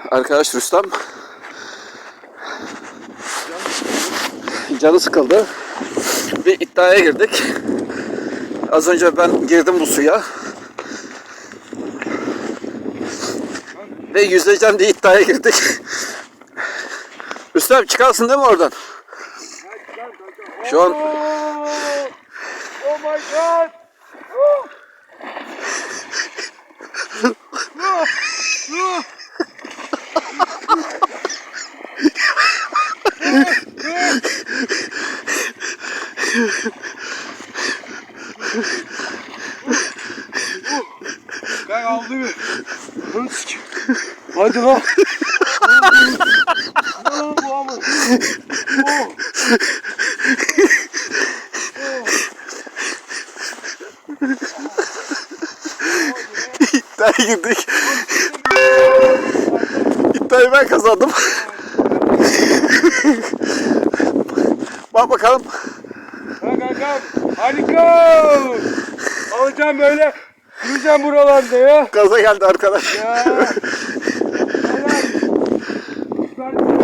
arkadaş Rüstem canı sıkıldı. Bir iddiaya girdik. Az önce ben girdim bu suya. Ve yüzeceğim diye iddiaya girdik. Rüstem çıkarsın değil mi oradan? Şu an Oh my god! Ben aldı mı? Hadi lan. Lan bu ama. iddiaya girdik. İddiayı ben kazandım. Bak bakalım. Bak kankam. Hadi go. Alacağım böyle. Yürüyeceğim buralarda ya. Gaza geldi arkadaş. Ya. Helal.